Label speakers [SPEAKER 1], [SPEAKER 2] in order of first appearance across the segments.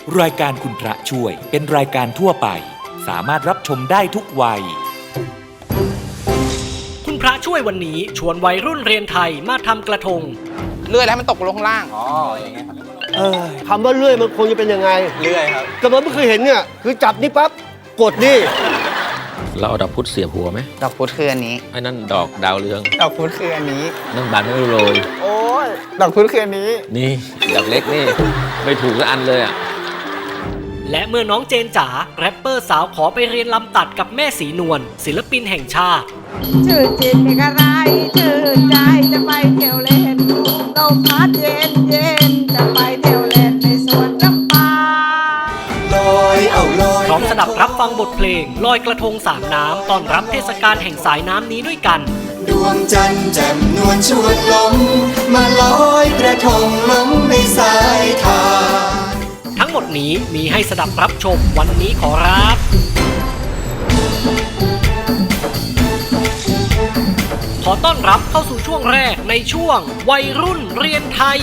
[SPEAKER 1] รายการคุณพระช่วยเป็นรายการทั่วไปสามารถรับชมได้ทุกวัย
[SPEAKER 2] คุณพระช่วยวันนี้ชวนวัยรุ่นเรียนไทยมาทำกระทง
[SPEAKER 3] เลื่อยแล้วมันตกลงข้างล่างอย่างเงี้ยครับ
[SPEAKER 4] คำว่าเลื่อยมันคงจะเป็นยังไง
[SPEAKER 3] เลื่อยครับ
[SPEAKER 4] แต่ผมไม่เคยเห็นเนี่ยคือจับนี่ปั๊บกดนี่
[SPEAKER 5] เราเอาดอกพุธเสียบหัวไหม
[SPEAKER 3] ดอกพุธคืออันนี้
[SPEAKER 5] ไอ้นั่นดอกดาวเรือง
[SPEAKER 3] ดอกพุธคืออันนี้
[SPEAKER 5] นั่นบานไม่โรย
[SPEAKER 3] โอ้ยดอกพุธคืออันนี้
[SPEAKER 5] นี่ดอกเล็กนี่ไม่ถูกสักอันเลยอ่ะ
[SPEAKER 2] และเมื่อน้องเจนจ๋าแรปเปอร์สาวขอไปเรียนลำตัดกับแม่สีนวลศิลปินแห่งชาติ
[SPEAKER 6] ชื่อจิตเป็นอะไรชื่อใจจะไปเที่ยวเล่นลมพัดเย็นเย็นจะไปเที่ยวเล่นในสวนน้ำปลา
[SPEAKER 2] ลอยพร้อมสดับรับฟังบทเพลงลอยกระทงสามน้ำต้อนรับเทศกาลแห่งสายน้ำนี้ด้วยกัน
[SPEAKER 7] ดวงจันทร์แจ่มนวลชวนลมมาลอยกระทงล้มในสายทาน
[SPEAKER 2] ทั้งหมดนี้มีให้สดับรับชมวันนี้ขอรับขอต้อนรับเข้าสู่ช่วงแรกในช่วงวัยรุ่นเรียนไทย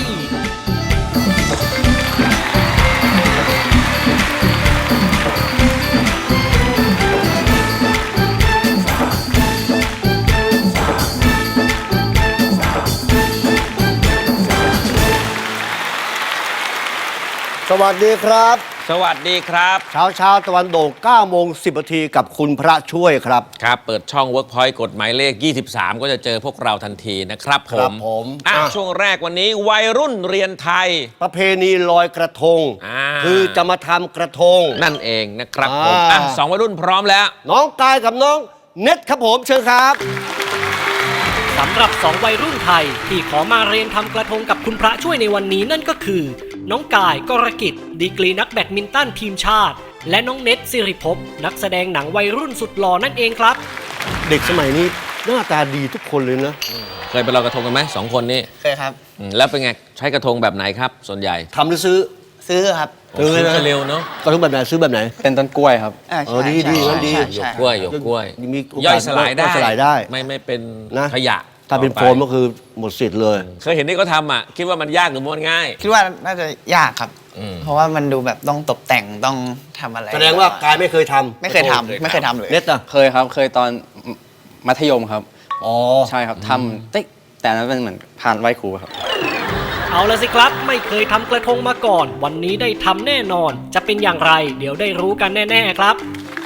[SPEAKER 4] สวัสดีครับ
[SPEAKER 5] สวัสดีครับ
[SPEAKER 4] เช้าตะวันโด่ง9 โมง 10 นาทีกับคุณพระช่วยครับ
[SPEAKER 5] ครับเปิดช่อง Workpoint กฎหมายเลข23ก็จะเจอพวกเราทันทีนะครับผมช่วงแรกวันนี้วัยรุ่นเรียนไทย
[SPEAKER 4] ประเพณีลอยกระทงคือจะมาทำกระทง
[SPEAKER 5] นั่นเองนะครับผมสองวัยรุ่นพร้อมแล้ว
[SPEAKER 4] น้องกายกับน้องเน็ตครับผมเชิญครับ
[SPEAKER 2] สำหรับ2วัยรุ่นไทยที่ขอมาเรียนทำกระทงกับคุณพระช่วยในวันนี้นั่นก็คือน้องกายกรกิจดีกรีนักแบดมินตันทีมชาติและน้องเน็ตสิริภพนักแสดงหนังวัยรุ่นสุดหล่อนั่นเองครับ
[SPEAKER 4] เด็กสมัยนี้หน้าตาดีทุกคนเลยนะ
[SPEAKER 5] เคยไปลอยกระทงกันไหม2 คนนี้
[SPEAKER 3] เคยครับ
[SPEAKER 5] แล้วเป็นไงใช้กระทงแบบไหนครับส่วนใหญ่
[SPEAKER 4] ทำหรือซื้อ
[SPEAKER 3] ครับ
[SPEAKER 5] ซื้อเร็วเนาะ
[SPEAKER 4] กระทงแบบไหนซื้อแบบไหน
[SPEAKER 3] เป็นต้นกล้วยครับ
[SPEAKER 4] ดีนั่นดี
[SPEAKER 5] หยกกล้วย
[SPEAKER 4] มี
[SPEAKER 5] ย่อยสลายได้ไม่เป็นขยะ
[SPEAKER 4] ถ้าเป็นโฟมก็คือหมดสิทธิ์เลย
[SPEAKER 5] เคยเห็นที่เขาทำอ่ะคิดว่ามันยากหรือมันง่าย
[SPEAKER 3] คิดว่าน่าจะยากครับเพราะว่ามันดูแบบต้องตกแต่งต้องทำอะไร
[SPEAKER 4] แสดงว่ากายไม่เคยทำ
[SPEAKER 3] ไม่เคยทำเลย
[SPEAKER 4] เน็ตอ่ะ
[SPEAKER 8] เคยครับเคยตอนมัธยมครับใช่ครับทำแต่นั้นเป็นเหมือนผ่านไหว้ครูครับ
[SPEAKER 2] เอาละสิครับไม่เคยทำกระทงมาก่อนวันนี้ได้ทำแน่นอนจะเป็นอย่างไรเดี๋ยวได้รู้กันแน่ๆครับ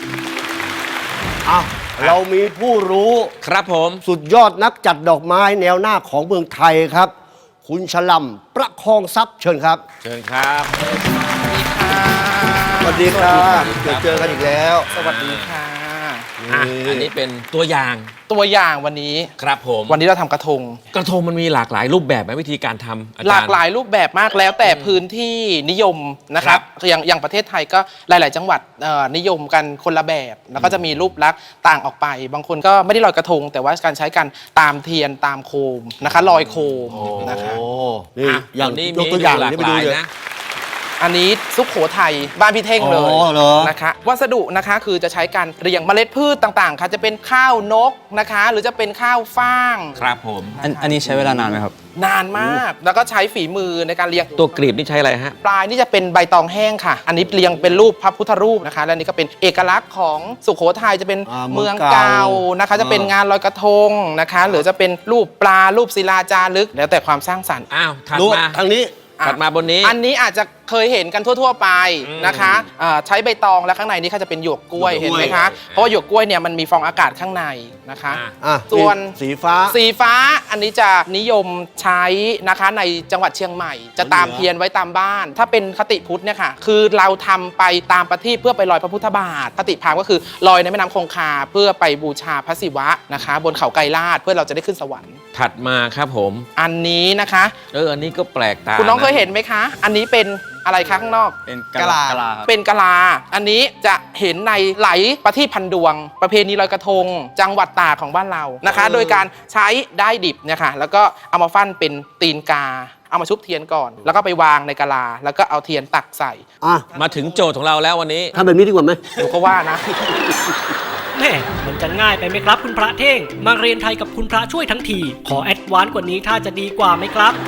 [SPEAKER 4] เรามีผู้รู้
[SPEAKER 5] ครับผม
[SPEAKER 4] สุดยอดนักจัดดอกไม้แนวหน้าของเมืองไทยครับคุณฉลำประคองทรัพย์เชิญครับ
[SPEAKER 5] เชิญครับ
[SPEAKER 4] สวัสดีครับเจอกันอีกแล้ว
[SPEAKER 3] สวัสดีค่ะ
[SPEAKER 5] อันนี้เป็นตัวอย่าง
[SPEAKER 3] วันนี้
[SPEAKER 5] ครับผม
[SPEAKER 3] วันนี้เราทำกระทง
[SPEAKER 5] มันมีหลากหลายรูปแบบไหมวิธีการทำ
[SPEAKER 3] หลากหลายรูปแบบมากแล้วแต่พื้นที่นิยมนะครับอย่างประเทศไทยก็หลายๆจังหวัดนิยมกันคนละแบบแล้วก็จะมีรูปลักษณ์ต่างออกไปบางคนก็ไม่ได้ลอยกระทงแต่ว่าการใช้กันตามเทียนตามโคมนะคะลอยโคมนะคะ
[SPEAKER 4] นี่อย่างนี้ยกตัวอย่างนี้ไปดูเลยนะ
[SPEAKER 3] อันนี้สุโขทัยบ้านพี่เท่งเลยนะคะวัสดุนะคะคือจะใช้การเรียงเมล็ดพืชต่างๆค่ะจะเป็นข้าวนกนะคะหรือจะเป็นข้าวฟ่าง
[SPEAKER 5] ครับผม
[SPEAKER 8] อันนี้ใช้เวลานานไหมครับ
[SPEAKER 3] นานมากแล้วก็ใช้ฝีมือในการเรียง
[SPEAKER 5] ตัวกลีบนี่ใช้อะไรฮะ
[SPEAKER 3] ปลายนี่จะเป็นใบตองแห้งค่ะอันนี้เรียงเป็นรูปพระพุทธรูปนะคะและนี่ก็เป็นเอกลักษณ์ของสุโขทัยจะเป็นเมืองเก่านะคะจะเป็นงานลอยกระทงนะคะหรือจะเป็นรูปปลารูปศิลาจารึกแล้วแต่ความสร้างสรรค์
[SPEAKER 5] ถัดมา
[SPEAKER 4] ทางนี้
[SPEAKER 5] ถัดมาบนนี้
[SPEAKER 3] อันนี้อาจจะเคยเห็นกันทั่วๆไปนะคะใช้ใบตองและข้างในนี้ก็จะเป็นหยวกกล้วยเห็นไหมคะเพราะว่าหยวกกล้วยเนี่ยมันมีฟองอากาศข้างในนะคะส่วน
[SPEAKER 4] สีฟ้า
[SPEAKER 3] อันนี้จะนิยมใช้นะคะในจังหวัดเชียงใหม่จะตามเทียนไว้ตามบ้านถ้าเป็นคติพุทธเนี่ยค่ะคือเราทำไปตามประทีปเพื่อไปลอยพระพุทธบาทคติพราหมณ์ก็คือลอยในแม่น้ำคงคาเพื่อไปบูชาพระศิวะนะคะบนเขาไกรลาศเพื่อเราจะได้ขึ้นสวรรค์
[SPEAKER 5] ถัดมาครับผม
[SPEAKER 3] อันนี้นะคะ
[SPEAKER 5] อันนี้ก็แปลกตา
[SPEAKER 3] คุณน้องเคยเห็นไหมคะอันนี้เป็นอะไรคะข้างนอก
[SPEAKER 8] เป็นกะลา
[SPEAKER 3] เป็นกะลาอันนี้จะเห็นในไหลประทีปพันดวงประเพณีลอยกระทงจังหวัดตากของบ้านเรานะคะโดยการใช้ได้ดิบเนี่ยค่ะแล้วก็เอามาฟั่นเป็นตีนกาเอามาชุบเทียนก่อนแล้วก็ไปวางในกะลาแล้วก็เอาเทียนตักใส่
[SPEAKER 5] มาถึงโจทย์ของเราแล้ววันนี้
[SPEAKER 4] ทำแบบนี้ดีกว่าไหม
[SPEAKER 3] หนูก็ว่านะ
[SPEAKER 2] แม่มันจะง่ายไปไหมครับคุณพระเท่งมาเรียนไทยกับคุณพระช่วยทั้งทีขอแอดวานซ์กว่านี้ถ้าจะดีกว่าไหมครับ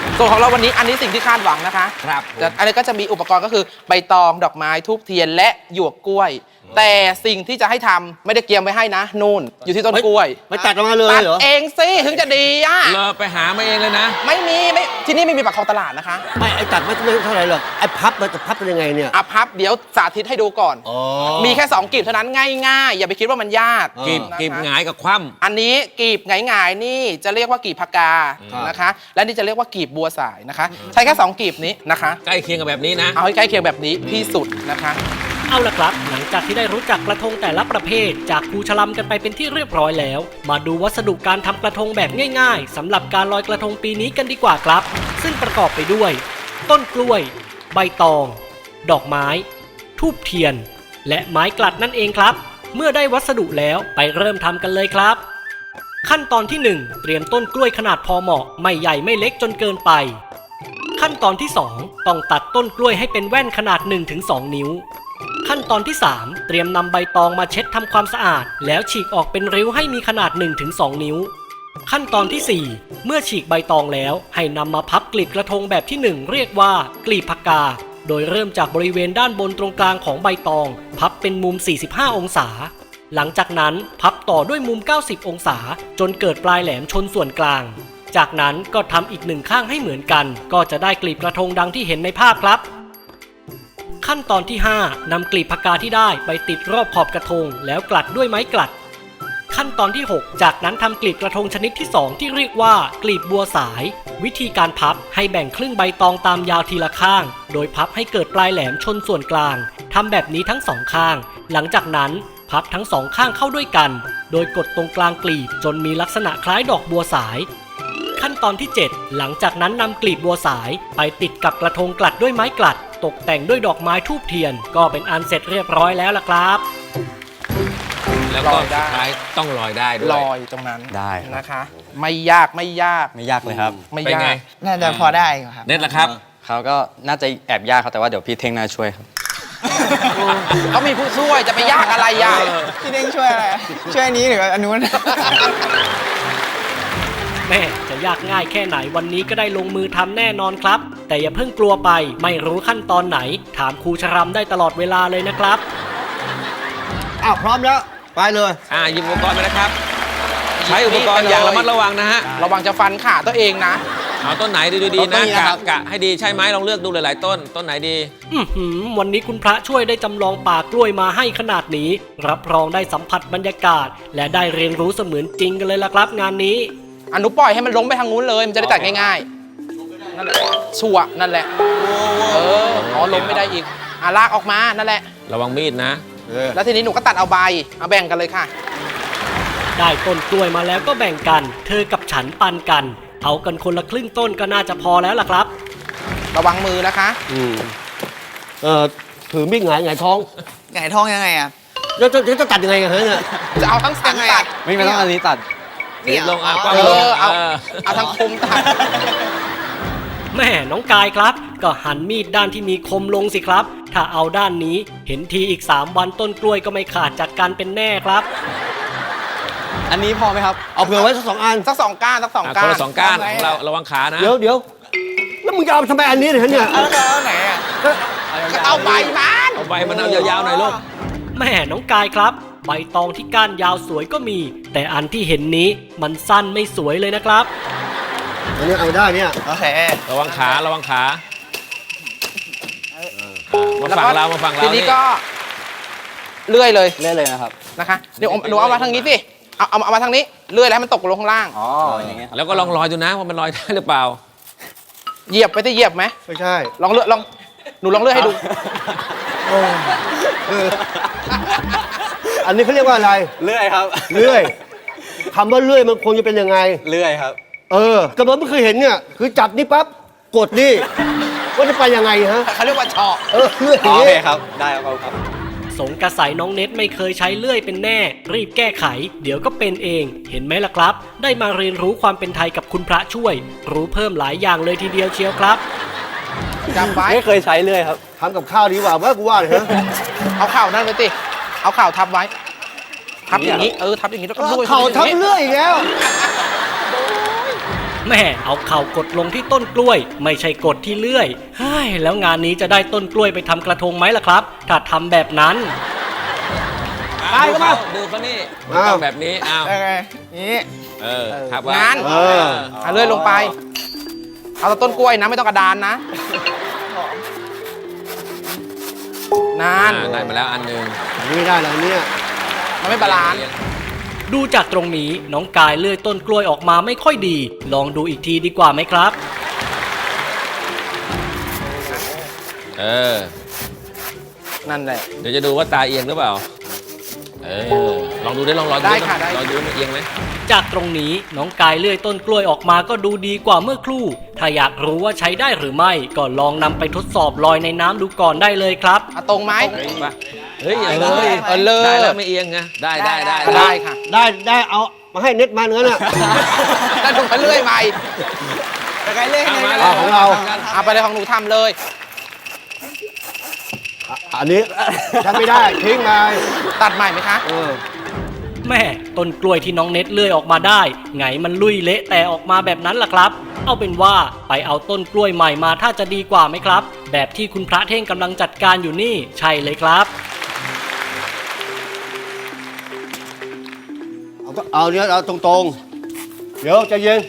[SPEAKER 3] ส่วนของเราวันนี้อันนี้สิ่งที่คาดหวังนะคะ
[SPEAKER 5] ครับ
[SPEAKER 3] แต่อันนี้ก็จะมีอุปกรณ์ก็คือใบตองดอกไม้ทูบเทียนและหยวกกล้วย แต่สิ่งที่จะให้ทำไม่ได้เตรียมไว้ให้นะนู่นอยู่ที่ต้นกล้วย
[SPEAKER 4] ไม่ตัดออกมาเลย
[SPEAKER 3] ตัด
[SPEAKER 4] เหรอ
[SPEAKER 3] เองสิถึงจะดีอ่ะ
[SPEAKER 5] เราไปหามาเองเลยนะ
[SPEAKER 3] ไม่ที่นี่ไม่มีปากคลองตลาดนะคะ
[SPEAKER 4] ไม่ไอ้ตัดไม่เท่าไหร่หรอกไอ้พับมันจะพับเป็นยังไงเนี่ย
[SPEAKER 3] อ่ะพับเดี๋ยวสาธิตให้ดูก่อน
[SPEAKER 4] อ๋อ
[SPEAKER 3] มีแค่2กลีบเท่านั้นง่ายๆ อย่าไปคิดว่ามันยาก
[SPEAKER 5] กีบ
[SPEAKER 3] นะคะ
[SPEAKER 5] กีบหงายกับคว่
[SPEAKER 3] อันนี้กลีบหงายๆนี่จะเรียกว่ากีบพกานะคะ และนี่จะเรียกว่ากีบบัวสายนะคะ ใช้แค่2กลีบนี้นะคะ
[SPEAKER 5] ำใกล้เคียงกับแบบนี้นะ
[SPEAKER 3] เอาให้ใกล้เคียงแบบนี้ที่สุดนะคะ
[SPEAKER 2] เอาล่ะครับ หลังจากที่ได้รู้จักกระทงแต่ละประเภท จากครูชลัมกันไปเป็นที่เรียบร้อยแล้ว มาดูวัสดุการทำกระทงแบบง่ายๆสำหรับการลอยกระทงปีนี้กันดีกว่าครับ ซึ่งประกอบไปด้วย ต้นกล้วย ใบตอง ดอกไม้ ทูบเทียน และไม้กลัดนั่นเองครับ เมื่อได้วัสดุแล้วไปเริ่มทำกันเลยครับ ขั้นตอนที่ 1 เตรียมต้นกล้วยขนาดพอเหมาะไม่ใหญ่ไม่เล็กจนเกินไป ขั้นตอนที่ 2 ต้องตัดต้นกล้วยให้เป็นแว่นขนาด 1-2 นิ้ว ขั้นตอนที่ 3 เตรียมนำใบตองมาเช็ดทำความสะอาด แล้วฉีกออกเป็นริ้วให้มีขนาด 1-2 นิ้ว ขั้นตอนที่ 4 เมื่อฉีกใบตองแล้วให้นำมาพับกลีบกระทงแบบที่ 1 เรียกว่ากลีบพกา โดยเริ่มจากบริเวณด้านบนตรงกลางของใบตอง พับเป็นมุม 45 องศา หลังจากนั้นพับต่อด้วยมุม 90 องศา จนเกิดปลายแหลมชนส่วนกลาง จากนั้นก็ทำอีกหนึ่งข้างให้เหมือนกัน ก็จะได้กลีบกระทงดังที่เห็นในภาพครับ ขั้นตอนที่ 5 นำกลีบพกาที่ได้ไปติดรอบขอบกระทงแล้วกลัดด้วยไม้กลัด ขั้นตอนที่ 6 จากนั้นทำกลีบกระทงชนิดที่ 2 ที่เรียกว่ากลีบบัวสาย วิธีการพับให้แบ่งครึ่งใบตองตามยาวทีละข้าง โดยพับให้เกิดปลายแหลมชนส่วนกลางทำแบบนี้ทั้ง2ข้าง หลังจากนั้นพับทั้ง2ข้างเข้าด้วยกัน โดยกดตรงกลางกลีบจนมีลักษณะคล้ายดอกบัวสาย ขั้นตอนที่ 7 หลังจากนั้นนำกลีบบัวสายไปติดกับกระทงกลัดด้วยไม้กลัด ตกแต่งด้วยดอกไม้ทูบเทียน ก็เป็นอันเสร็จเรียบร้อยแล้วล่ะครับ
[SPEAKER 5] แล้วก็
[SPEAKER 3] ลอยได้
[SPEAKER 5] สุดท้ายต้องลอยได้ด้วย
[SPEAKER 3] ลอยตรงนั้น
[SPEAKER 8] ได้ครับ
[SPEAKER 3] นะคะ ไม่ยาก
[SPEAKER 8] ไม่ยากเลยครับ
[SPEAKER 3] ไม่
[SPEAKER 5] เป็น
[SPEAKER 3] ยา
[SPEAKER 5] ไง
[SPEAKER 3] ก
[SPEAKER 6] น่าจะพอได้อยู่ครับ
[SPEAKER 5] เน็ตล่ะครับ
[SPEAKER 8] เขาก็น่าจะแอบยากครับแต่ว่าเดี๋ยวพี่เท่งน่าช่วยครับ
[SPEAKER 3] เขามีผู้ช่วยจะไปยากอะไรอ่ะ
[SPEAKER 6] พี่เด้งช่วยอะไร ช่วยอันนี้หรืออันนู้น
[SPEAKER 2] แม่จะยากง่ายแค่ไหนวันนี้ก็ได้ลงมือทำแน่นอนครับ แต่อย่าเพิ่งกลัวไปไม่รู้ขั้นตอนไหน ถามครูชรัมได้ตลอดเวลาเลยนะครับ
[SPEAKER 4] อ้าวพร้อมแล้ว ไปเลย
[SPEAKER 5] หยิบอุปกรณ์ไปนะครับ ใช้อุปกรณ์อย่างระมัดระวังนะฮะ
[SPEAKER 3] ระวังจะฟันขาตัวเองนะ
[SPEAKER 5] เอาต้นไหนดีๆ
[SPEAKER 4] ต้
[SPEAKER 5] นะ
[SPEAKER 4] นนี้นะครับ
[SPEAKER 5] กะให้ดีใช่ไหมลองเลือกดูหลายๆต้น ต้นไหนดี
[SPEAKER 2] วันนี้คุณพระช่วยได้จำลองป่ากล้วยมาให้ขนาดนี้ รับรองได้สัมผัสบรรยากาศ และได้เรียนรู้เสมือนจริงกันเลยล่ะครับงานนี้
[SPEAKER 3] อนุปล่อยให้มันล้มไปทางนู้นเลย มันจะได้ตัดง่ายๆ นั่นแหละชัวร์นั่นแหละ ล้มไม่ได้อีก ลากออกมา นั่นแหละ
[SPEAKER 5] ระวังมีดนะ
[SPEAKER 3] แล้วทีนี้หนูก็ตัดเอาใบ เอาแบ่งกันเลยค่ะ
[SPEAKER 2] ได้ต้นกล้วยมาแล้วก็แบ่งกัน เธอกับฉันปันกัน เอากันคนละครึ่งต้นก็น่าจะพอแล้วล่ะครับ
[SPEAKER 3] ระวังมือนะคะ
[SPEAKER 4] ถือมีดหงายท้อง
[SPEAKER 6] ไก่ท้องยังไงอ่ะ
[SPEAKER 4] แล้วจะตัดยังไงกันเนี่ย
[SPEAKER 3] จะเอาทั้งสันตัด
[SPEAKER 8] ไม่ต้องอันนี้ตัด
[SPEAKER 5] ลงกว้าง
[SPEAKER 3] เอ
[SPEAKER 5] ลง
[SPEAKER 3] อ เอาทั้งคมตัด
[SPEAKER 2] แม่น้องกายครับ ก็หันมีดด้านที่มีคมลงสิครับ ถ้าเอาด้านนี้เห็นทีอีก 3 วันต้นกล้วยก็ไม่ขาดจากกันเป็นแน่ครับ
[SPEAKER 8] อันนี้พอไหมครับ
[SPEAKER 4] เอาเผื่อไว้สัก2 อัน
[SPEAKER 3] สัก2 ก้าน สัก 2
[SPEAKER 5] ค
[SPEAKER 3] ก้าน น
[SPEAKER 5] ละ2 ก้านของเราระวังขานะ
[SPEAKER 4] เดี๋ยวแล้วมึงจะเอาทำไมอันนี้เนี่ย
[SPEAKER 6] แล้วก็เอาไหนอ่ะ
[SPEAKER 3] เอาใบมัน
[SPEAKER 5] เอาใบมันเอายาวๆหน่อยลูก
[SPEAKER 2] แม่น้องกายครับ ใบตองที่ก้านยาวสวยก็มี แต่อันที่เห็นนี้มันสั้นไม่สวยเลยนะครับ
[SPEAKER 4] อันนี้เอาได้เนี่ย
[SPEAKER 6] โอเค
[SPEAKER 5] ระวังขาระวังขามาฝั่งเรามาฝั่งเรา
[SPEAKER 3] ทีนี้ก็เลื่อยเลย
[SPEAKER 8] เล่นเลยนะครับ
[SPEAKER 3] นะคะ เดี๋ยวหนูเอามาทางนี้สิ เอามาทางนี้ เลื่อยแล้วให้มันตกลงข้างล่าง
[SPEAKER 8] อ๋อ อย่างเงี้ยครับ
[SPEAKER 5] แล้วก็ลองลอยดูนะว่ามันลอยได้หรือเปล่า
[SPEAKER 3] เหยียบไปที่เหยียบไหม
[SPEAKER 4] ไม่ใช่
[SPEAKER 3] ลองเลื่อยหนูลองเลื่อยให้ดู
[SPEAKER 4] อันนี้เขาเรียกว่าอะไร
[SPEAKER 8] เลื่อยครับ
[SPEAKER 4] เลื่อยคำว่าเลื่อยมันควรจะเป็นยังไง
[SPEAKER 8] เลื่อยครับ
[SPEAKER 4] กระโดดไม่เคยเห็นเนี่ย คือจับนี่ปั๊บ กดนี่ว่าจะไปยังไงฮะ
[SPEAKER 3] เขาเรียกว่าเฉาะ
[SPEAKER 4] เลื่อยอ
[SPEAKER 8] อ๋
[SPEAKER 4] ย่า
[SPEAKER 8] อง โอ
[SPEAKER 4] นี้
[SPEAKER 8] เคครับ ได้ครับ
[SPEAKER 2] สงกระใสน้องเน็ตไม่เคยใช้เลื่อยเป็นแน่ รีบแก้ไข เดี๋ยวก็เป็นเอง เห็นไหมล่ะครับ ได้มาเรียนรู้ความเป็นไทยกับคุณพระช่วย รู้เพิ่มหลายอย่างเลยทีเดียวเชียวครับ
[SPEAKER 3] จำไว้
[SPEAKER 8] ไม่เคยใช้เลื่อยครับ
[SPEAKER 4] ทำกับข้าวดีกว่าว่ากูว่าเลยฮะ
[SPEAKER 3] เอาเข่านั่นเลยสิเอาเข่าทับไว้ ทับอย่างนี้ ทับอย่างนี้แล้วก็
[SPEAKER 4] เอา
[SPEAKER 3] ด้วย
[SPEAKER 4] เข่าทำเลื่อยอีกแล้ว
[SPEAKER 2] แม่เอาเข่ากดลงที่ต้นกล้วย ไม่ใช่กดที่เลื่อยเฮ้ยแล้วงานนี้จะได้ต้นกล้วยไปทำกระทงไหมล่ะครับถ้าทำแบบนั้น
[SPEAKER 5] ดูเขานี่มันต้องแบบนี้อ้าว
[SPEAKER 6] นี่
[SPEAKER 5] ครับว่า
[SPEAKER 3] งั้นเอาเลื่อยลงไป เอาแต่ต้นกล้วยนะไม่ต้องกระดานนะนั่น
[SPEAKER 5] ได้มาแล้วอันหนึง
[SPEAKER 4] นี่ได้แล้วเนี่ย
[SPEAKER 3] มันไม่บาลานซ์
[SPEAKER 2] ดูจากตรงนี้น้องกายเลื่อยต้นกล้วยออกมาไม่ค่อยดี ลองดูอีกทีดีกว่าไหมครับ
[SPEAKER 3] นั่นแหละ
[SPEAKER 5] เดี๋ยวจะดูว่าตาเอียงหรือเปล่าลองดูได้ลองดู
[SPEAKER 3] ได้ค่ะได้
[SPEAKER 5] ลองดูมันเอียงไหม
[SPEAKER 2] จากตรงนี้น้องกายเลื่อยต้นกล้วยออกมาก็ดูดีกว่าเมื่อครู่ ถ้าอยากรู้ว่าใช้ได้หรือไม่ก็ลองนำไปทดสอบลอยในน้ำดูก่อนได้เลยครับ
[SPEAKER 3] เอาตรงไหม
[SPEAKER 5] เฮ้ยอย่าง
[SPEAKER 3] เล
[SPEAKER 5] เลย
[SPEAKER 3] เอาเลย
[SPEAKER 5] ได้แล้วไม่เอียงไงได้
[SPEAKER 3] ได้ค่ะ
[SPEAKER 4] ได้เอามาให้เน็ตมาเนื้อน่ะ
[SPEAKER 3] แล้วดูไปเรื่อยใหม่
[SPEAKER 4] เอาของเรา
[SPEAKER 3] เอาไปเลยของหนูทำเลย
[SPEAKER 4] อันนี้ทำไม่ได้ทิ้งมา
[SPEAKER 3] ตัดใหม่ไหมคะ
[SPEAKER 2] แม่ต้นกล้วยที่น้องเน็ตเลื่อยออกมาได้ไงมันลุยเละแต่ออกมาแบบนั้นล่ะครับ เอาเป็นว่าไปเอาต้นกล้วยใหม่มาถ้าจะดีกว่าไหมครับ แบบที่คุณพระเท่งกำลังจัดการอยู่นี่ใช่เลยครับ
[SPEAKER 4] เอาเนี้ยเอาตรงๆ เดี๋ยวใจเย็น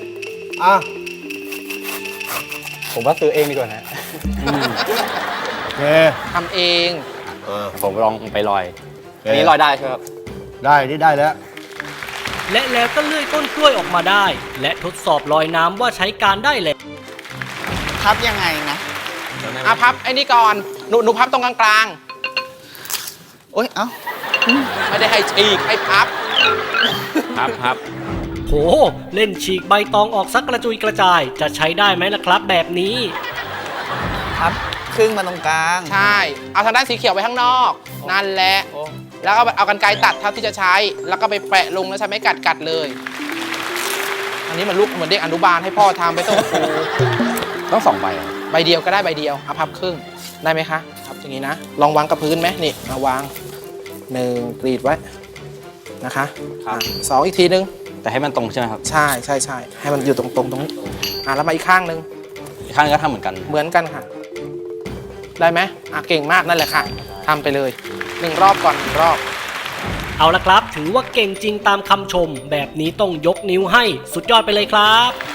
[SPEAKER 8] ผมว่าซื้อเองดีกว่านะ
[SPEAKER 4] โอเค
[SPEAKER 3] ทำเอง
[SPEAKER 8] ผมลองไปลอยอันนี้ลอยได้ใช่ไหมครับ
[SPEAKER 4] ได้นี่ได้แล้ว
[SPEAKER 2] และแล้วก็เลื่อยต้นกล้วยออกมาได้ และทดสอบลอยน้ำว่าใช้การได้เลย
[SPEAKER 6] พับยังไงนะ
[SPEAKER 3] พับไอ้นี่ก่อน หนูพับตรงกลาง
[SPEAKER 6] โอ๊ย เอ้า
[SPEAKER 3] ๆ ไม่ได้ให้ฉีกให้พับ
[SPEAKER 5] ครับ
[SPEAKER 2] โหเล่นฉีกใบตองออกสักกระจุยกระจายจะใช้ได้ไหมล่ะครับแบบนี้
[SPEAKER 6] พับครึ่งมาตรงกลาง
[SPEAKER 3] ใช่ เอาทางด้านสีเขียวไว้ข้างนอก นั่นแหละ แล้วก็เอากรรไกรตัดเท่าที่จะใช้ แล้วก็ไปแปะลงแล้วใช้ไม้กัดเลย อันนี้มันลูกเหมือนเด็กอนุบาลให้พ่อทำไปส่งครู
[SPEAKER 8] ต้อง2 ใบเหรอ
[SPEAKER 3] ใบเดียวก็ได้ใบเดียว เอาพับครึ่ง ได้ไหมคะพับอย่างนี้นะ ลองวางกับพื้นไหมนี่เอาวาง1กรีดไว้นะคะสองอีกทีนึง
[SPEAKER 8] แต่ให้มันตรงใช่ไหมครับ
[SPEAKER 3] ใช่ให้มันอยู่ตรงตรงนี้แล้วมาอีกข้างนึง
[SPEAKER 8] อีกข้างนึงก็ทำเหมือนกัน
[SPEAKER 3] เหมือนกันค่ะ ได้ไหมเก่งมากนั่นแหละค่ะทำไปเลย1 รอบก่อน1 รอบ
[SPEAKER 2] เอาละครับ ถือว่าเก่งจริงตามคำชม แบบนี้ต้องยกนิ้วให้สุดยอดไปเลยครับ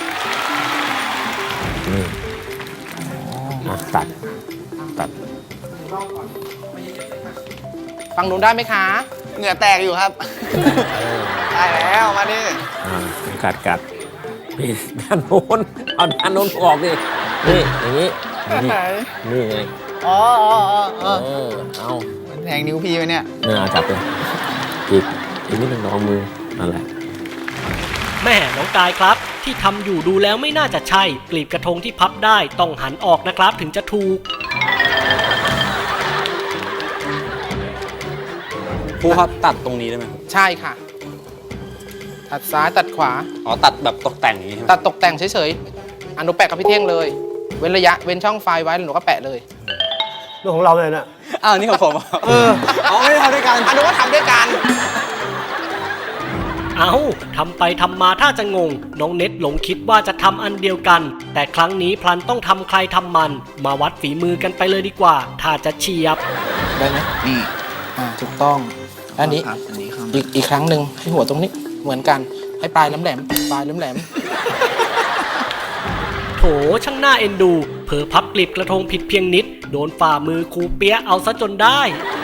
[SPEAKER 5] ตัด
[SPEAKER 3] ฟังนู้นได้ไหมคะ
[SPEAKER 6] เหงื่อแตกอยู่ครับ ได้แล้ว มาดิ
[SPEAKER 5] กัดนี่ด้านโน้นเอาด้านโน้นออกดินี่อย่างนี้นี่ไง
[SPEAKER 6] อ๋อ
[SPEAKER 5] เอา
[SPEAKER 6] มันแทงนิ้วพี่ไปเนี่ย
[SPEAKER 5] จับเลยอีกนิดนึงเอามือนั่นแหละ
[SPEAKER 2] แม่น้องกายครับ ที่ทำอยู่ดูแล้วไม่น่าจะใช่ กลีบกระทงที่พับได้ต้องหันออกนะครับถึงจะถูก
[SPEAKER 8] ครูครับตัดตรงนี้ได้ไหมครับ
[SPEAKER 3] ใช่ค่ะ ตัดซ้ายตัดขวา
[SPEAKER 8] อ๋อตัดแบบตกแต่งอย่างนี้ใช่ไหม
[SPEAKER 3] ตัดตกแต่งเฉยๆหนูแปะกับพี่เท่งเลย เว้นระยะเว้นช่องไฟไว้แล้วหนูก็แปะเลย
[SPEAKER 4] เรื่องของเราเลยนะ
[SPEAKER 8] อ้าวนี่ของผมไม่ได้ทำด้วยกัน
[SPEAKER 3] หนูก็ทำด้วยกัน
[SPEAKER 2] เอาทำไปทำมาถ้าจะงง น้องเน็ตหลงคิดว่าจะทำอันเดียวกัน แต่ครั้งนี้พลันต้องทำใครทำมัน มาวัดฝีมือกันไปเลยดีกว่า ถ้าจะเฉียบ
[SPEAKER 3] ได้ไหม
[SPEAKER 6] นี่
[SPEAKER 3] ถูกต้องอันนี้
[SPEAKER 6] ครับอันนี้ครับ
[SPEAKER 3] อีกครั้งหนึ่งให้หัวตรงนี้เหมือนกันให้ปลายแหลมๆปลายแหลม
[SPEAKER 2] โถช่างน่าเอ็นดู เผลอพับกลีบกระทงผิดเพียงนิด โดนฝ่ามือครูเปี๊ยะเอาซะจนได้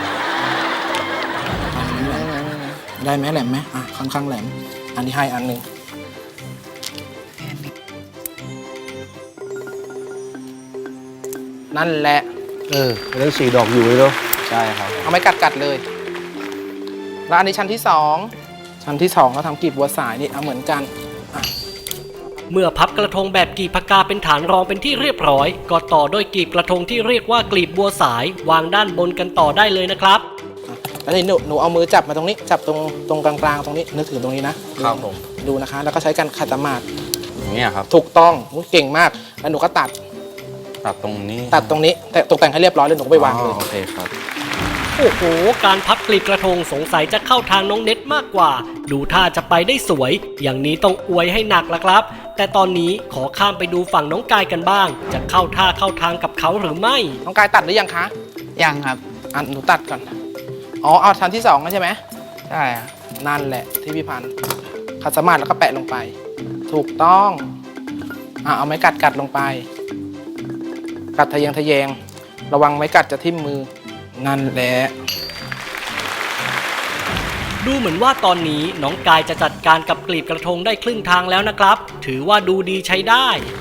[SPEAKER 3] ๆได้ไหมแหลมไหมค่อนข้างแหลม อันนี้ให้อันหนึ่งนั่นแหละ
[SPEAKER 4] อันนั้น4 ดอกอยู่เลยเนาะ
[SPEAKER 8] ใช่ครับ
[SPEAKER 3] เอาไม้กัดเลย แล้วอันนี้ชั้นที่ 2 ชั้นที่ 2 ก็ทำกลีบบัวสายนี่เอาเหมือนกัน
[SPEAKER 2] เมื่อพับกระทงแบบกลีบผักกาเป็นฐานรองเป็นที่เรียบร้อย ก็ต่อด้วยกลีบกระทงที่เรียกว่ากลีบบัวสาย วางด้านบนกันต่อได้เลยนะครับ
[SPEAKER 3] แล้วนี่หนูเอามือจับมาตรงนี้ จับตรงกลางๆตรงนี้ นึกถึงตรงนี้นะครับ
[SPEAKER 8] ผม
[SPEAKER 3] ดูนะคะ แล้วก็ใช้กันขัดสมาธิ
[SPEAKER 8] อย่างนี้ครับ
[SPEAKER 3] ถูกต้องเก่งมาก แล้วหนูก็ตัด
[SPEAKER 8] ตัดตรงนี้
[SPEAKER 3] ตัดตรงนี้ แต่ตกแต่งให้เรียบร้อยแล้วหนูก็ไปวางเลย
[SPEAKER 8] โอเคครับ
[SPEAKER 2] โอ้โห การพับกลีบกระทงสงสัยจะเข้าทางน้องเน็ตมากกว่า ดูท่าจะไปได้สวย อย่างนี้ต้องอวยให้หนักละครับแต่ตอนนี้ขอข้ามไปดูฝั่งน้องกายกันบ้าง จะเข้าท่าเข้าทางกับเขาหรือไม่
[SPEAKER 3] น้องกายตัดหรือยังคะ
[SPEAKER 9] ยังครับ
[SPEAKER 3] หนูตัดก่อน อ๋อ เอาชั้นที่2แล้วใช่ไหม
[SPEAKER 9] ใช่ครับ
[SPEAKER 3] นั่นแหละที่พี่พันธ์ขัดสมาธิแล้วก็แปะลงไป ถูกต้องเอาไม้กัดลงไป กัดทะแยงระวังไม้กัดจะทิ่มมือ นั่นแหละ
[SPEAKER 2] ดูเหมือนว่าตอนนี้น้องกายจะจัดการกับกลีบกระทงได้ครึ่งทางแล้วนะครับ ถือว่าดูดีใช้ได้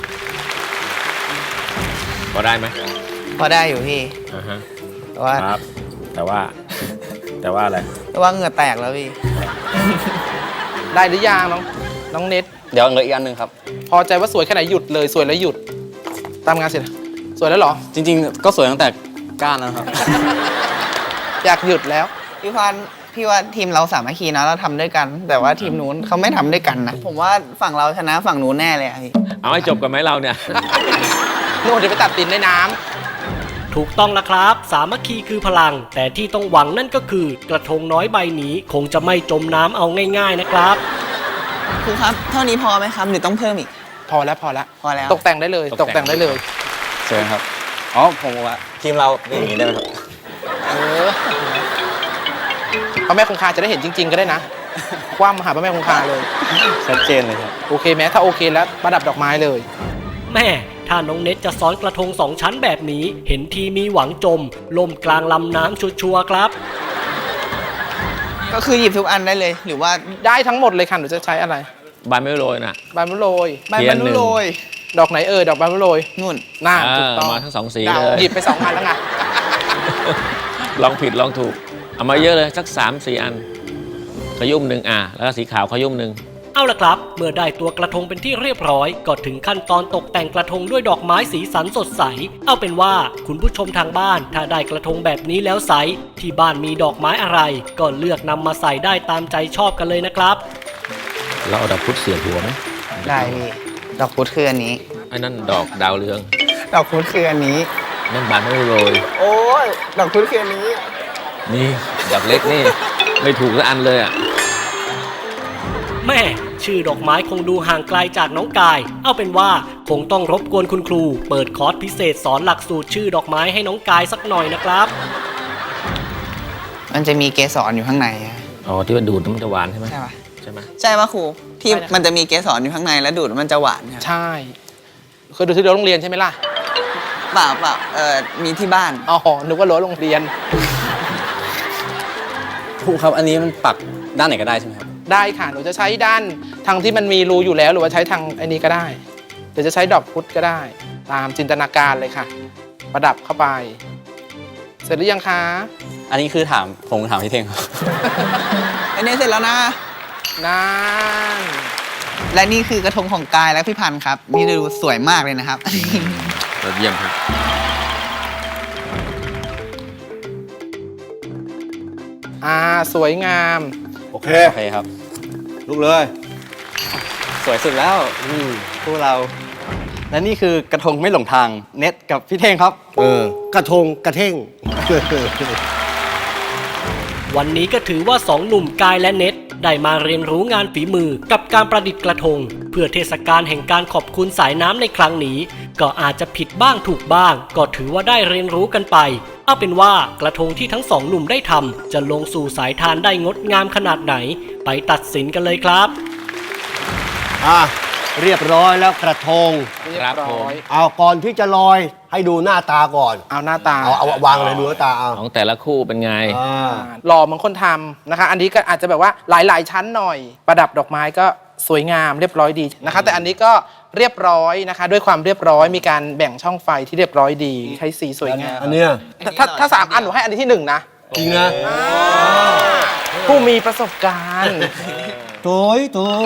[SPEAKER 5] พอได้ไหม
[SPEAKER 9] พอได้อยู่พี่
[SPEAKER 5] อ่าฮะ
[SPEAKER 9] แต่ว่า
[SPEAKER 5] ครับ แต่ว่าอะไร
[SPEAKER 9] แต่ว่าเหงื่อแตกแล้วพี่
[SPEAKER 3] ได้หรือยังน้องเน็ต
[SPEAKER 8] เดี๋ยวเหลืออีกอันหนึ่งครับ
[SPEAKER 3] พอใจว่าสวยแค่ไหนหยุดเลยสวยแล้วหยุด ตามงานเสร็จสวยแล้วเหรอ
[SPEAKER 8] จริงๆ ก็สวยตั้งแต่ก้านแล้วครับ
[SPEAKER 3] อยากหยุดแล้ว
[SPEAKER 9] พี่พันธุ์พี่ว่าทีมเราสามัคคีนะเราทำด้วยกัน แต่ว่าทีมนู้นเขาไม่ทำด้วยกันนะ ผมว่าฝั่งเราชนะฝั่งนู้นแน่เลยอะพี่
[SPEAKER 5] เอาให้จบกันไหมเราเนี่ย
[SPEAKER 3] นู่นเดี๋ยวไปตัดตินในน้ำ
[SPEAKER 2] ถูกต้องแล้วครับ สามัคคีคือพลัง แต่ที่ต้องหวังนั่นก็คือกระทงน้อยใบนี้คงจะไม่จมน้ำเอาง่ายๆนะครับ
[SPEAKER 9] ครูครับ เท่านี้พอไหมครับหรือต้องเพิ่มอีก
[SPEAKER 3] พอแล้ว
[SPEAKER 9] พอแล้ว
[SPEAKER 3] ตกแต่งได้เลย
[SPEAKER 5] ต
[SPEAKER 3] ต
[SPEAKER 5] ก
[SPEAKER 3] ก
[SPEAKER 5] แต่
[SPEAKER 3] แต่
[SPEAKER 5] ง
[SPEAKER 3] งได้เลย
[SPEAKER 8] สวยครับ อ๋อ ผมว่าทีมเราเป็นอย่างนี้ได้ไหมครับ
[SPEAKER 3] พระแม่คงคาจะได้เห็นจริง ๆ ก็ได้นะ คว่ำมาหาพระแม่คงคาเลย
[SPEAKER 8] ชัดเจนเลยครับ
[SPEAKER 3] โอเคไหมถ้าโอเคแล้วประดับดอกไม้เลย
[SPEAKER 2] แม่ถ้าน้องเน็ตจะซ้อนกระทงสองชั้นแบบนี้ เห็นทีมีหวังจมล่มกลางลำน้ำชัวร์ๆครับ
[SPEAKER 9] ก็คือหยิบทุกอันได้เลย หรือว่า
[SPEAKER 3] ได้ทั้งหมดเลยค่ะหนูจะใช้อะไร
[SPEAKER 5] บานไม่โรยนะ
[SPEAKER 3] ใบมะโรย
[SPEAKER 9] ใบบรรลุโรย
[SPEAKER 3] ดอกไหนดอกใบมะโรย
[SPEAKER 9] นู่น
[SPEAKER 3] น่า
[SPEAKER 5] เอ
[SPEAKER 3] ถูก
[SPEAKER 5] อ
[SPEAKER 3] ต้อง
[SPEAKER 5] มาทั้งสองสี
[SPEAKER 3] ดาว
[SPEAKER 5] เลย
[SPEAKER 3] หยิบไป2 อันแล้วไง
[SPEAKER 5] ลองผิดลองถูก เอามาเยอะเลยสัก 3-4 อัน ขยุ่มหนึ่งแล้วก็สีขาวขยุ่มหนึ่ง
[SPEAKER 2] เอาล่ะครับ เมื่อได้ตัวกระทงเป็นที่เรียบร้อย ก็ถึงขั้นตอนตกแต่งกระทงด้วยดอกไม้สีสันสดใส เอาเป็นว่าคุณผู้ชมทางบ้าน ถ้าได้กระทงแบบนี้แล้วไซส์ที่บ้านมีดอกไม้อะไร ก็เลือกนำมาใส่ได้ตามใจชอบกันเลยนะครับ
[SPEAKER 5] เราเอาดอกพุธเสียบหัวไหม
[SPEAKER 9] ได้พี่ ดอกพุธคืออันนี้
[SPEAKER 5] ไอ้นั่นดอกดาวเรือง
[SPEAKER 9] ดอกพุธคืออันนี้
[SPEAKER 5] นั่นบานไม่โรย
[SPEAKER 9] โอ้ยดอกพุธคืออันนี้
[SPEAKER 5] นี่ดอกเล็กนี่ ไม่ถูกสักอันเลยอ่ะ
[SPEAKER 2] แม่ชื่อดอกไม้คงดูห่างไกลจากน้องกาย เอาเป็นว่าคงต้องรบกวนคุณครู เปิดคอร์สพิเศษสอนหลักสูตรชื่อดอกไม้ให้น้องกายสักหน่อยนะครับ
[SPEAKER 9] มันจะมีเกสรอยู่ข้างในอะ
[SPEAKER 5] อ๋อ ที่ว่าดูดแล้วมันจะหวานใช่ไหม
[SPEAKER 9] ใช่ปะ
[SPEAKER 5] ใช่ไหม
[SPEAKER 9] ใช่ปะครู ที่มันจะมีเกสรอยู่ข้างในแล้วดูดแล้วมันจะหวานครับ
[SPEAKER 3] ใช่เคยดูที่รั้วโรงเรียนใช่ไหมล่ะ
[SPEAKER 9] เปล่ามีที่บ้าน
[SPEAKER 3] อ๋อนึกว่ารั้วโรงเรียน
[SPEAKER 8] ครูครับ อันนี้มันปักด้านไหนก็ได้ใช่ไหมครับ
[SPEAKER 3] ได้ค่ะหนูจะใช้ด้านทางที่มันมีรูอยู่แล้วหรือว่าใช้ทางไอ้นี้ก็ได้หรือจะใช้ดอกพุธก็ได้ ตามจินตนาการเลยค่ะ ประดับเข้าไป เสร็จหรือยังคะ
[SPEAKER 8] อันนี้คือผมถามพี่เท่งครับ
[SPEAKER 9] อันนี้เสร็จแล้วนะ
[SPEAKER 3] นั่น
[SPEAKER 9] และนี่คือกระทงของกายและพี่พันธ์ครับ นี่ดูสวยมากเลยนะครับ
[SPEAKER 5] ยอดเยี่ยมครับ
[SPEAKER 3] สวยงาม
[SPEAKER 4] โอเค
[SPEAKER 8] โอเคครับ
[SPEAKER 4] ลุกเลย
[SPEAKER 8] สวยสุดแล้วพวกเรา และนี่คือกระทงไม่หลงทาง เน็ตกับพี่เท่งครับ
[SPEAKER 4] กระทงกระเท่ง
[SPEAKER 2] วันนี้ก็ถือว่าสองหนุ่มกายและเน็ตได้มาเรียนรู้งานฝีมือกับการประดิษฐ์กระทง เพื่อเทศกาลแห่งการขอบคุณสายน้ำในครั้งนี้ ก็อาจจะผิดบ้างถูกบ้าง ก็ถือว่าได้เรียนรู้กันไป เอาเป็นว่ากระทงที่ทั้งสองหนุ่มได้ทำจะลงสู่สายทานได้งดงามขนาดไหน ไปตัดสินกันเลยครับ
[SPEAKER 4] เรียบร้อยแล้วกระทง
[SPEAKER 3] เรียบร้อย
[SPEAKER 4] เอาก่อนที่จะลอยให้ดูหน้าตาก่อน
[SPEAKER 3] เอาหน้าตา
[SPEAKER 4] เอาวางเลยดูหน้าตาเอา
[SPEAKER 5] ของแต่ละคู่เป็นไง
[SPEAKER 3] หล่อเหมือนคนทำนะคะ อันนี้ก็อาจจะแบบว่าหลายๆชั้นหน่อย ประดับดอกไม้ก็สวยงามเรียบร้อยดีนะคะ แต่อันนี้ก็เรียบร้อยนะคะ ด้วยความเรียบร้อยมีการแบ่งช่องไฟที่เรียบร้อยดีใช้สีสวยงาม
[SPEAKER 4] อันเนี้ย
[SPEAKER 3] ถ้า3 อันหนูให้อันนี้ที่1นะ
[SPEAKER 4] จริงนะ
[SPEAKER 3] ผู้มีประสบการณ์
[SPEAKER 4] โถย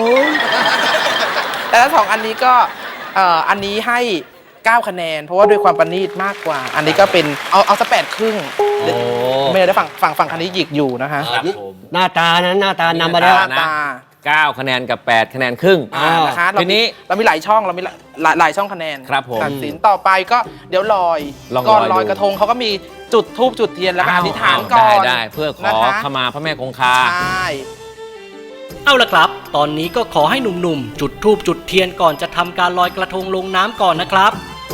[SPEAKER 3] แต่ถ้า2 อันนี้ก็อันนี้ให้9 คะแนน เพราะว่าด้วยความประณีตมากกว่า อันนี้ก็เป็นเอาสัก8 ครึ่งไม่ได้ฝั่งคันนี้หยิกอยู่นะคะ
[SPEAKER 4] หน้าตานะหน้าตานำมาแล้ว
[SPEAKER 3] หน้าตา
[SPEAKER 5] 9 คะแนนกับ 8 คะแนนครึ่ง
[SPEAKER 3] นะคะ
[SPEAKER 5] ทีนี้
[SPEAKER 3] เรามีหลายช่องเรามีหลายช่องคะแนน
[SPEAKER 5] ครับผม
[SPEAKER 3] ตัดสินต่อไปก็เดี๋ยวลอย
[SPEAKER 5] ลอง
[SPEAKER 3] ก่อน
[SPEAKER 5] ลอย
[SPEAKER 3] ลอย
[SPEAKER 5] ดู
[SPEAKER 3] กระทงเขาก็มีจุดธูปจุดเทียนแล้วก็อธิษฐานก่อน
[SPEAKER 5] ได้เพื่อขอ
[SPEAKER 3] นะคะ
[SPEAKER 5] ขมาพระแม่คงคา
[SPEAKER 3] ใช่
[SPEAKER 2] เอาละครับ ตอนนี้ก็ขอให้หนุ่มๆ จุดธูปจุดเทียนก่อนจะทำการลอยกระทงลงน้ำก่อนนะครับ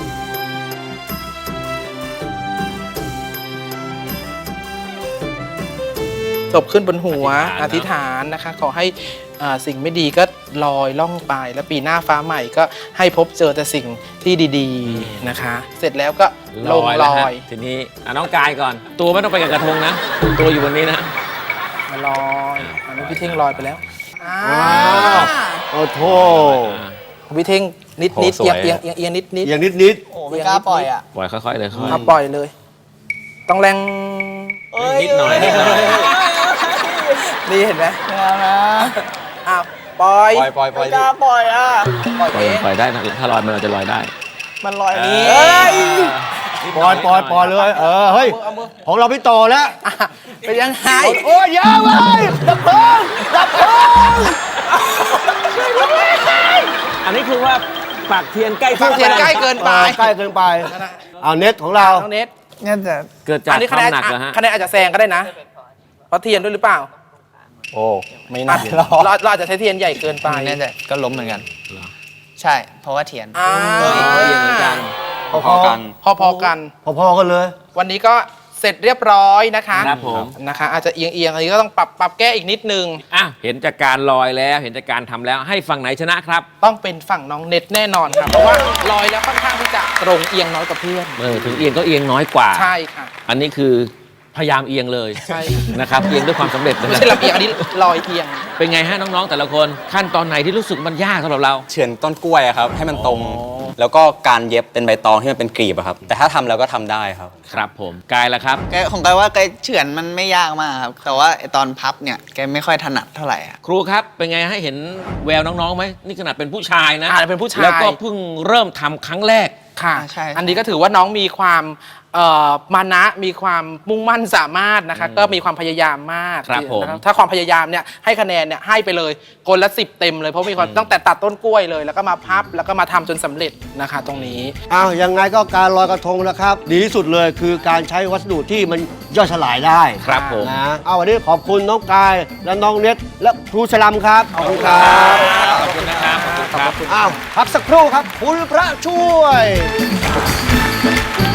[SPEAKER 3] จบขึ้นบนหัวอ
[SPEAKER 5] อธิ
[SPEAKER 3] ธิ
[SPEAKER 5] ษ
[SPEAKER 3] ษ
[SPEAKER 5] ฐาน
[SPEAKER 3] ฐานนะคะขอให้สิ่งไม่ดีก็ลอยล่องไปแล้วปีหน้าฟ้าใหม่ก็ให้พบเจอแต่สิ่งที่ดีๆนะคะ เสร็จแล้วก็ลงล
[SPEAKER 5] แล้ว
[SPEAKER 3] อ
[SPEAKER 5] ฮะ
[SPEAKER 3] ย
[SPEAKER 5] ทีนี้น้องกายก่อน ตัวไม่ต้องไปกับกระทงนะ ตัวอยู่บนนี้นะ
[SPEAKER 3] มาลอยอันนี้พี่เท่งลอยไปแล้ว
[SPEAKER 4] ว โอ้โห
[SPEAKER 3] ของพี่เท่งนิด
[SPEAKER 5] โอ้
[SPEAKER 3] นิด
[SPEAKER 5] สวย
[SPEAKER 3] เอียงเอียงเอียงนิดนิด
[SPEAKER 4] อย่างนิด
[SPEAKER 9] โอ้ไม่กล้าปล่อยอ่ะ
[SPEAKER 5] ปล่อยค่อยๆเลยค่อย
[SPEAKER 3] เอาปล่อยเลย ต้องแรง
[SPEAKER 5] นิดหน่อยนิดหน่อย
[SPEAKER 3] นี่เห็นไหม
[SPEAKER 9] ไม่เอานะ
[SPEAKER 3] อ้าวปล่อย
[SPEAKER 8] ปล่อย
[SPEAKER 9] ไม่กล้าปล่อยอ่ะ
[SPEAKER 3] ปล่อย
[SPEAKER 5] ปล่อย
[SPEAKER 3] เอง
[SPEAKER 5] ปล่อยได้นะถ้าลอยมันเราจะลอยได้
[SPEAKER 9] มันลอยนี้
[SPEAKER 3] เอ้ย
[SPEAKER 4] ๆ ปล่อยปล่อยปล่อยเลย เฮ้ย
[SPEAKER 3] เอามือ
[SPEAKER 4] ของเราพี่โตแล้ว
[SPEAKER 3] อ่ะเป็นยังไง
[SPEAKER 4] โอ้ยอยาเว้ยดับเพลิงดับเพลิง
[SPEAKER 5] อันนี้คือว่าปากเทียนใกล้
[SPEAKER 3] ปากเทียนใกล้เกินไป
[SPEAKER 4] ใกล้เกินไป เอาเน็ตของเรา
[SPEAKER 3] น้องเน็ต
[SPEAKER 9] งั้นจะ
[SPEAKER 5] เกิดจาก
[SPEAKER 3] อันนี้
[SPEAKER 5] ค
[SPEAKER 3] คะแน
[SPEAKER 5] วาม
[SPEAKER 3] น
[SPEAKER 5] หนักเหรอฮะ
[SPEAKER 3] คะแนนอาจจะแซงก็ได้นะ เพราะเทียนด้วยหรือเปล่า
[SPEAKER 8] โอ้ไม่
[SPEAKER 3] อ่ะ
[SPEAKER 8] น่า
[SPEAKER 3] เราอาจจะใช้เทียนใหญ่เกินไป
[SPEAKER 9] แน่ใจก็ล้มเหมือนกัน ใช่ เพราะว่าเทียน
[SPEAKER 3] อ่า
[SPEAKER 5] เทียนเหมือนกัน
[SPEAKER 8] พอๆกัน
[SPEAKER 3] พอๆกัน
[SPEAKER 4] พอๆกันเลย
[SPEAKER 3] วันนี้ก็เสร็จเรียบร้อยนะคะ
[SPEAKER 5] ครับผม
[SPEAKER 3] นะคะ อาจจะเอียงๆอันนี้ก็ต้องปรับแก้อีกนิดนึง
[SPEAKER 5] อ่ะเห็นจากการลอยแล้วเห็นจากการทำแล้วให้ฝั่งไหนชนะครับ
[SPEAKER 3] ต้องเป็นฝั่งน้องเน็ตแน่นอนค่ะ เพราะว่าลอยแล้วค่อนข้างที่จะตรงเอียงน้อยกว่าเพื่อน
[SPEAKER 5] ถึงเอียงก็เอียงน้อยกว่า
[SPEAKER 3] ใช่ค่ะ
[SPEAKER 5] อันนี้คือพยายามเอียงเลย
[SPEAKER 3] ใช่
[SPEAKER 5] นะครับเอียงด้วยความสำเร็จเลย
[SPEAKER 3] ไม่
[SPEAKER 5] นะ
[SPEAKER 3] ใช่ลำเอียงอันนี้ลอยเอียง
[SPEAKER 5] เป็นไงฮะน้องๆแต่ละคนขั้นตอนไหนที่รู้สึกมันยากสำหรับเรา
[SPEAKER 8] เฉือนต้นกล้วยอะครับ ให้มันตรง แล้วก็การเย็บเป็นใบตองที่มันเป็นกลีบอะครับ แต่ถ้าทำแล้วก็ทำได้ครับ
[SPEAKER 5] ครับผมกายละครับ
[SPEAKER 9] แกของแกว่าแกเฉือนมันไม่ยากมากครับ แต่ว่าไอ้ตอนพับเนี่ยแกไม่ค่อยถนัดเท่าไหร่อะ
[SPEAKER 5] ครูครับเป็นไงให้เห็นแววน้องๆไหมนี่ขนาดเป็นผู้ชายนะ
[SPEAKER 3] เป็นผู้ชาย
[SPEAKER 5] แล้วก็เพิ่งเริ่มทำครั้งแรก
[SPEAKER 3] ค่ะ
[SPEAKER 9] ใช่
[SPEAKER 3] อันนี้ก็ถือว่าน้องมีความมานะมีความมุ่งมั่นสามารถนะคะ ก็มีความพยายามมาก
[SPEAKER 5] ครับผม
[SPEAKER 3] นะถ้าความพยายามเนี่ยให้คะแนนเนี่ยให้ไปเลยคนละ10 เต็มเลยเพราะมีความตั้งแต่ตัดต้นกล้วยเลย แล้วก็มาพับแล้วก็มาทำจนสำเร็จนะคะ ตรงนี้
[SPEAKER 4] อ้าวยังไงก็การลอยกระทงนะครับ ดีที่สุดเลยคือการใช้วัสดุที่มันย่อยสลายได้
[SPEAKER 5] ครับผม
[SPEAKER 4] นะเอาวันนี้ขอบคุณน้องกายและน้องเน็ตและครูชลัมครับ ขอบคุณครับ
[SPEAKER 5] ขอบคุณนะครับขอบคุณครับ
[SPEAKER 4] อ้าวพักสักครู่ครับ คุณพระช่วย